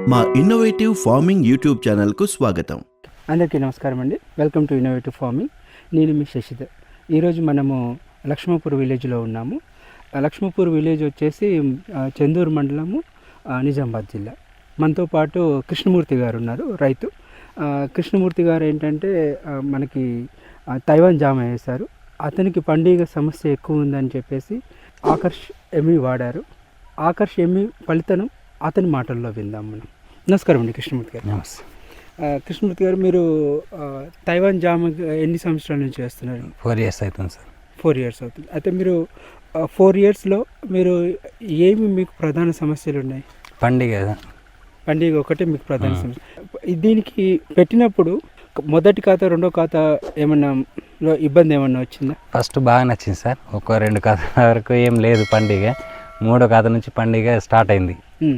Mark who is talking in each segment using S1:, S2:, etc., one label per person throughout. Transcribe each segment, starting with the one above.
S1: మా innovative farming YouTube ఛానల్కు స్వాగతం.
S2: అందరికీ నమస్కారం అండి. Welcome to innovative farming. నేను మీ శశిధర్. ఈరోజు మనము లక్ష్మీపూర్ విలేజ్లో ఉన్నాము. లక్ష్మీపూర్ విలేజ్ వచ్చేసి చందూరు మండలము, నిజామాబాద్ జిల్లా. మనతో పాటు కృష్ణమూర్తి గారు ఉన్నారు, రైతు. కృష్ణమూర్తి గారు ఏంటంటే మనకి తైవాన్ జామ వేశారు. అతనికి పండుగ సమస్య ఎక్కువ ఉందని చెప్పేసి ఆకర్ష్ ఎమ్మి వాడారు. ఆకర్ష్ ఎమ్మి ఫలితం అతని మాటల్లో విందాం మనం. నమస్కారం అండి కృష్ణమూర్తి గారు.
S3: నమస్తే.
S2: కృష్ణమూర్తి గారు, మీరు తైవాన్ జామ ఎన్ని సంవత్సరాల నుంచి చేస్తున్నారు?
S3: 4 years అవుతుంది సార్.
S2: 4 years అవుతుంది. అయితే మీరు 4 yearsలో మీరు ఏమి మీకు ప్రధాన సమస్యలు ఉన్నాయి?
S3: పండుగ
S2: ఒకటే మీకు ప్రధాన సమస్య. దీనికి పెట్టినప్పుడు మొదటి ఖాతా రెండో ఖాతా ఏమన్నా ఇబ్బంది ఏమన్నా వచ్చిందా?
S3: ఫస్ట్ బాగా నచ్చింది సార్. ఒక 2 ఖాతాల వరకు ఏం లేదు పండుగ. 3వ ఖాతా నుంచి పండుగ స్టార్ట్ అయింది.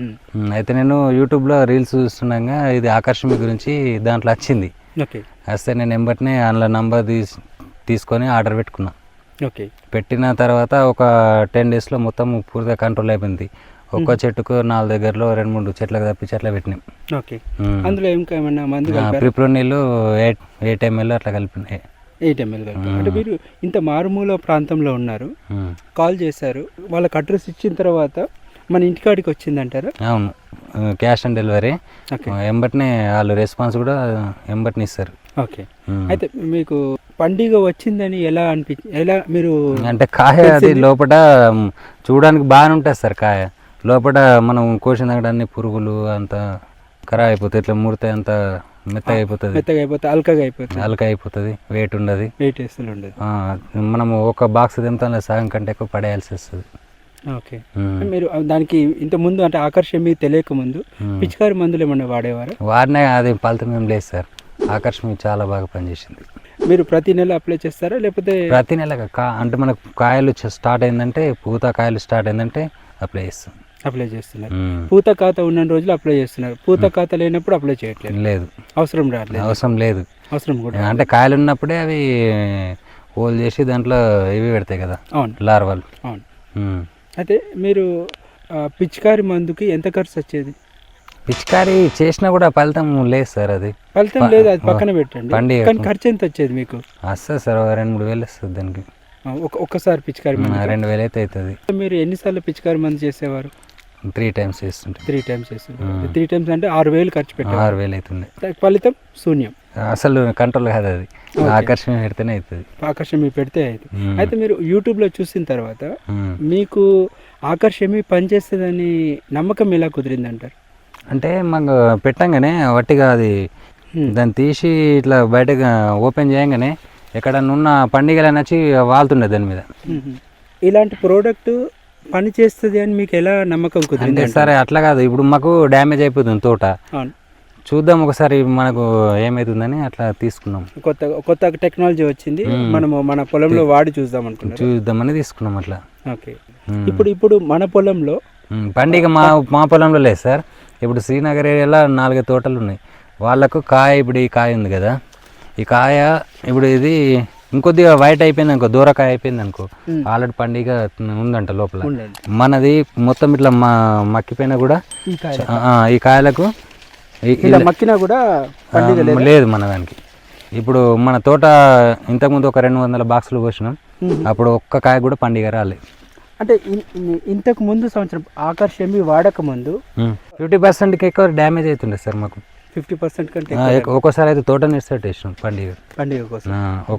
S3: అయితే నేను యూట్యూబ్లో రీల్స్ చూస్తుండగా ఇది ఆకర్షణ గురించి దాంట్లో వచ్చింది.
S2: ఓకే.
S3: వస్తే నేను ఎంబటినే అందులో నంబర్ తీసుకొని ఆర్డర్ పెట్టుకున్నా.
S2: ఓకే.
S3: పెట్టిన తర్వాత ఒక 10 daysలో మొత్తం పూర్తిగా కంట్రోల్ అయిపోయింది. ఒక్కో చెట్టుకు 4 దగ్గరలో 2-3 చెట్లకు తప్పించి అట్లా పెట్టినాం.
S2: ఓకే. అందులో ఏమైనా మందు
S3: ప్రిప్రో నీళ్ళు 8 ml అట్లా కలిపినాయి.
S2: 8 ml కలిపి. అంటే మీరు ఇంత మారుమూల ప్రాంతంలో ఉన్నారు, కాల్ చేశారు, వాళ్ళకి అడ్రస్ ఇచ్చిన తర్వాత మన ఇంటికాడికి వచ్చిందంటారా?
S3: అవును, క్యాష్ ఆన్ డెలివరీ. ఎంబటినే వాళ్ళు రెస్పాన్స్ కూడా ఎంబటిని ఇస్తారు.
S2: ఓకే. అయితే మీకు పండుగ వచ్చిందని ఎలా ఎలా మీరు
S3: అంటే కాయ అది లోపల చూడడానికి బాగానే ఉంటుంది సార్. కాయ లోపల మనం కోసిన అన్ని పురుగులు అంత ఖరాబ్ అయిపోతుంది, ఇట్లా ముడితే అంత మెత్తగా అయిపోతుంది, అల్కగా అయిపోతుంది, వెయిట్ ఉండదు,
S2: వెయిట్ వేస్తూ ఉండదు.
S3: మనము ఒక బాక్స్ తింటాం, సగం కంటే ఎక్కువ పడేయాల్సి వస్తుంది.
S2: ఓకే. మీరు దానికి ఇంత ముందు అంటే ఆకర్షణ మీకు తెలియక ముందు పిచికారి మందులు ఏమన్నా వాడేవారా?
S3: వాడినా అది ఫలితం ఏం లేదు సార్. ఆకర్షణ చాలా బాగా పనిచేసింది.
S2: మీరు ప్రతి నెల అప్లై చేస్తారా లేకపోతే?
S3: ప్రతి నెల అంటే మనకు కాయలు స్టార్ట్ అయిందంటే, పూత కాయలు స్టార్ట్ అయిందంటే అప్లై చేస్తాం.
S2: అప్లై చేస్తున్నారు. పూత ఖాతా ఉన్న రోజులు అప్లై చేస్తున్నారు. పూత ఖాతా లేనప్పుడు అప్లై చేయట్లేదు?
S3: లేదు,
S2: అవసరం రావట్లేదు. అవసరం కూడా
S3: అంటే కాయలు ఉన్నప్పుడే అవి హోల్ చేసి దాంట్లో ఇవి పెడతాయి కదా.
S2: అవును,
S3: లార్వాలు.
S2: అవును. అయితే మీరు పిచికారి మందుకి ఎంత ఖర్చు వచ్చేది?
S3: పిచికారి చేసినా కూడా ఫలితం లేదు సార్. అది
S2: ఫలితం లేదు, అది పక్కన పెట్టండి. కానీ ఖర్చు ఎంత వచ్చేది మీకు?
S3: వస్తుంది సార్, 2-3 వేలు వస్తుంది దానికి.
S2: ఒక్కసారి పిచికారి
S3: 2,000 అయితే అవుతుంది.
S2: మీరు ఎన్నిసార్లు పిచికారి మందు చేసేవారు?
S3: 3 times చేస్తుంటే.
S2: 3 times చేస్తుంటే 3 times అంటే 6,000 ఖర్చు పెట్టారు.
S3: 6,000 అవుతుంది.
S2: ఫలితం శూన్యం,
S3: అసలు కంట్రోల్ కాదు. అది ఆకర్షణ పెడితేనే అవుతుంది.
S2: ఆకర్షణ మీకు పెడితే అవుతుంది. అయితే మీరు యూట్యూబ్లో చూసిన తర్వాత మీకు ఆకర్షణ పనిచేస్తుందని నమ్మకం ఎలా కుదిరింది అంటారు?
S3: అంటే మాకు పెట్టంగానే వట్టిగా అది దాన్ని తీసి ఇట్లా బయటగా ఓపెన్ చేయగానే ఎక్కడన్నా ఉన్న పండుగలు నచ్చి వాళ్తుండే దాని మీద.
S2: ఇలాంటి ప్రోడక్ట్ పని చేస్తుంది అని మీకు ఎలా నమ్మకం కుదిరింది?
S3: సరే అట్లా కాదు, ఇప్పుడు మాకు డ్యామేజ్ అయిపోతుంది తోట, చూద్దాం ఒకసారి మనకు ఏమవుతుందని అట్లా తీసుకున్నాం.
S2: కొత్త టెక్నాలజీ వచ్చింది, మనము మన పొలంలో వాడి చూద్దామని
S3: తీసుకున్నాం అట్లా.
S2: ఓకే. ఇప్పుడు మన పొలంలో
S3: పండుగ మా పొలంలో లేదు సార్. ఇప్పుడు శ్రీనగర్ ఏరియాలో 4 తోటలు ఉన్నాయి. వాళ్ళకు కాయ, ఇప్పుడు ఈ కాయ ఉంది కదా, ఈ కాయ ఇప్పుడు ఇది ఇంకొద్దిగా వైట్ అయిపోయింది అనుకో, దూరకాయ అయిపోయింది అనుకో, ఆల్రెడీ పండుగ ఉందంట లోపల. మనది మొత్తం ఇట్లా మక్కిపోయినా కూడా ఈ కాయలకు
S2: మక్కినా కూడా
S3: లేదు మన దానికి. ఇప్పుడు మన తోట ఇంతకుముందు ఒక 200 బాక్సులు పోసినాం, అప్పుడు ఒక్క కాయ కూడా పండుగ రాలేదు.
S2: అంటే ఇంతకు ముందు సంవత్సరం ఆకర్షణ వాడక ముందు
S3: 50%కి ఎక్కువ డ్యామేజ్ అవుతుండే సార్ మాకు.
S2: 50% కంటే
S3: ఒక్కోసారి అయితే తోట నిర్సెట్ వేసినాం పండుగ కోసం.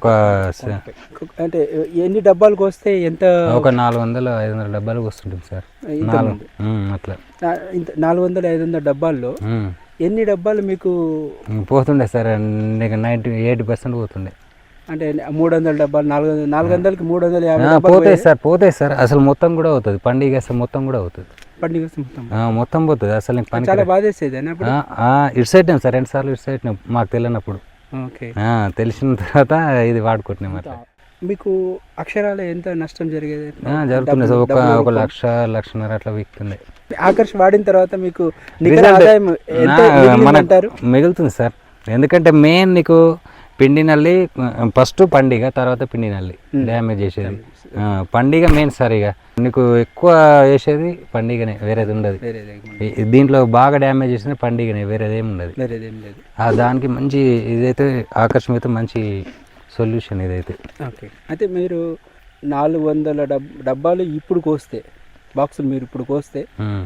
S2: అంటే ఎన్ని డబ్బాలకు వస్తే ఎంత?
S3: ఒక 400-500 డబ్బాలకు వస్తుంటుంది సార్. అట్లా
S2: 400-500 డబ్బాల్లో ఎన్ని డబ్బాలు మీకు
S3: పోతుండే సార్? 80% పోతుండే.
S2: అంటే 300 డబ్బాలు, 400కి 350
S3: పోతాయి సార్. అసలు మొత్తం కూడా అవుతుంది పండుగ, అసలు మొత్తం కూడా అవుతుంది
S2: పండుగ,
S3: మొత్తం పోతుంది. అసలు
S2: చాలా బాధేసేది.
S3: ఇటు సైడ్ సార్ 2 సార్లు ఇటు సైడ్ మాకు తెలియనప్పుడు. తెలిసిన తర్వాత ఇది వాడుకుంటున్నాం. అట్లా
S2: మీకు అక్షరాలు ఎంత నష్టం జరిగేది?
S3: జరుగుతుంది సార్. ఒక 1-1.5 అట్లా వీక్తుంది.
S2: ఆకర్ష్ వాడిన తర్వాత మీకు మనకు మిగులుతుంది సార్.
S3: ఎందుకంటే మెయిన్ నీకు పిండి నల్లి ఫస్ట్ పండిగ, తర్వాత పిండి నల్లి డ్యామేజ్ చేసేది. పండిగ మెయిన్ సార్. ఇక నీకు ఎక్కువ వేసేది పండిగనే, వేరేది ఉండదు. దీంట్లో బాగా డ్యామేజ్ చేసిన పండిగనే, వేరేదేం ఉండదు. దానికి మంచి ఇదైతే ఆకర్షణ అయితే మంచి సొల్యూషన్ ఇదైతే.
S2: ఓకే, అయితే మీరు 400 డబ్బాలు ఇప్పుడు కోస్తే, బాక్సులు మీరు ఇప్పుడు కోస్తే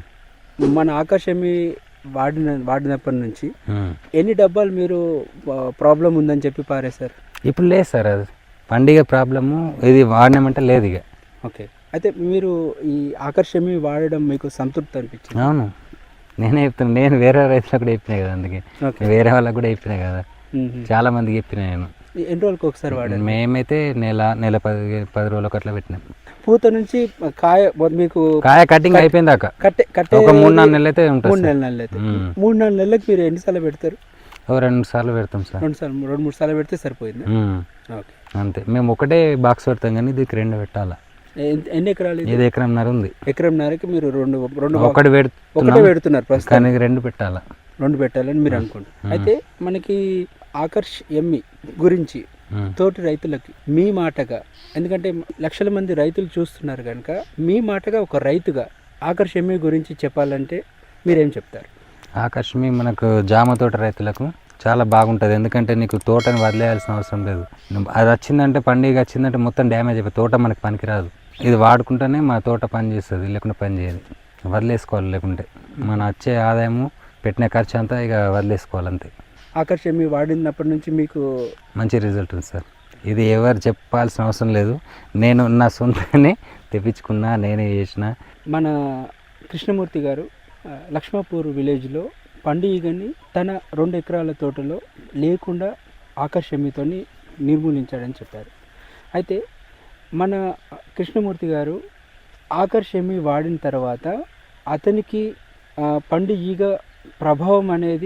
S2: మన ఆకాశమి వాడినప్పటి నుంచి ఎన్ని డబ్బాలు మీరు ప్రాబ్లం ఉందని చెప్పి పారేశారు?
S3: ఇప్పుడు లేదు సార్, అది పండిగ ప్రాబ్లము ఇది వాడినామంటే లేదు ఇక.
S2: ఓకే, అయితే మీరు ఈ ఆకర్షమి వాడడం మీకు సంతృప్తి అనిపించింది?
S3: అవును, నేనే చెప్తాను. నేను వేరే రైతులకు కూడా చెప్పినా కదా, అందుకే వేరే వాళ్ళకి కూడా చెప్పినా కదా, చాలా మందికి చెప్పిన నేను.
S2: ఎన్ని రోజులకు ఒకసారి వాడారు?
S3: మేమైతే నెల 10 రోజులకు అట్లా పెట్టినాం.
S2: పూత నుంచి కాయ మీకు
S3: కటింగ్ అయిపోయింది దాకా ఒక 3-4 నెలలు అయితే ఉంటుంది.
S2: 3-4 నెలలు అయితే 3-4 నెలలకు మీరు ఎన్నిసార్లు పెడతారు?
S3: 2 సార్లు పెడతాం సార్.
S2: 2-3 సార్లు పెడితే సరిపోయింది. ఓకే, అంతే.
S3: మేము ఒకటే బాక్స్ పెడతాం కానీ దీనికి 2 పెట్టాలా.
S2: ఎన్ని ఎకరాలు?
S3: ఇది ఎకరంన్నర ఉంది.
S2: ఎకరంన్నరకి మీరు
S3: ఒకటి
S2: పెడుతున్నారు ప్రస్తుతం,
S3: కానీ 2 పెట్టాలా.
S2: 2 పెట్టాలని మీరు అనుకుంటారు. అయితే మనకి ఆకర్ష్ ఎమ్మి గురించి తోటి రైతులకి మీ మాటగా, ఎందుకంటే లక్షల మంది రైతులు చూస్తున్నారు కనుక మీ మాటగా ఒక రైతుగా ఆకర్ష్ ఎమ్మి గురించి చెప్పాలంటే మీరేం చెప్తారు?
S3: ఆకర్షమి మనకు జామ తోట రైతులకు చాలా బాగుంటుంది. ఎందుకంటే నీకు తోటని వదిలేయాల్సిన అవసరం లేదు. అది వచ్చిందంటే, పండుగ వచ్చిందంటే మొత్తం డ్యామేజ్ అయిపోయి తోట మనకు పనికిరాదు. ఇది వాడుకుంటేనే మా తోట పని చేస్తుంది, లేకుండా పని చేయదు. వదిలేసుకోవాలి, లేకుంటే మన వచ్చే ఆదాయము పెట్టిన ఖర్చు అంతా ఇక వదిలేసుకోవాలి అంతే.
S2: ఆకర్షమి వాడినప్పటి నుంచి మీకు
S3: మంచి రిజల్ట్ ఉంది సార్. ఇది ఎవరు చెప్పాల్సిన అవసరం లేదు, నేను నా సొంతనే తెప్పించుకున్నా, నేనే చేసిన.
S2: మన కృష్ణమూర్తి గారు లక్ష్మాపూర్ విలేజ్లో పండుగని తన 2 ఎకరాల తోటలో లేకుండా ఆకర్షమితో నిర్మూలించాడని చెప్పారు. అయితే మన కృష్ణమూర్తి గారు ఆకర్షమి వాడిన తర్వాత అతనికి పండు ఈగ ప్రభావం అనేది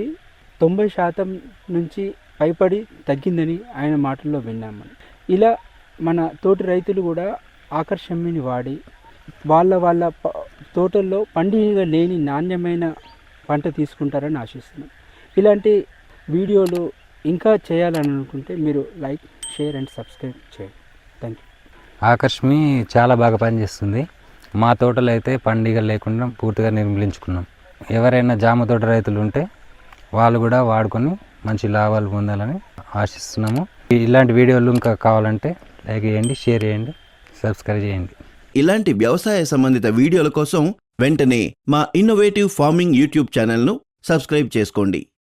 S2: 90% నుంచి పైపడి తగ్గిందని ఆయన మాటల్లో విన్నాము. ఇలా మన తోటి రైతులు కూడా ఆకర్షమిని వాడి వాళ్ళ తోటల్లో పండుగ లేని నాణ్యమైన పంట తీసుకుంటారని ఆశిస్తున్నాం. ఇలాంటి వీడియోలు ఇంకా చేయాలని అనుకుంటే మీరు లైక్, షేర్ అండ్ సబ్స్క్రైబ్ చేయండి. Thank you.
S3: ఆకర్షమి చాలా బాగా పనిచేస్తుంది. మా తోటలో అయితే పండుగ లేకుండా పూర్తిగా నిర్మూలించుకున్నాం. ఎవరైనా జామ తోట రైతులు ఉంటే వాళ్ళు కూడా వాడుకొని మంచి లాభాలు పొందాలని ఆశిస్తున్నాము. ఇలాంటి వీడియోలు ఇంకా కావాలంటే లైక్ చేయండి, షేర్ చేయండి, సబ్స్క్రైబ్ చేయండి.
S1: ఇలాంటి వ్యవసాయ సంబంధిత వీడియోల కోసం వెంటనే మా ఇన్నోవేటివ్ ఫార్మింగ్ యూట్యూబ్ ఛానల్ను సబ్స్క్రైబ్ చేసుకోండి.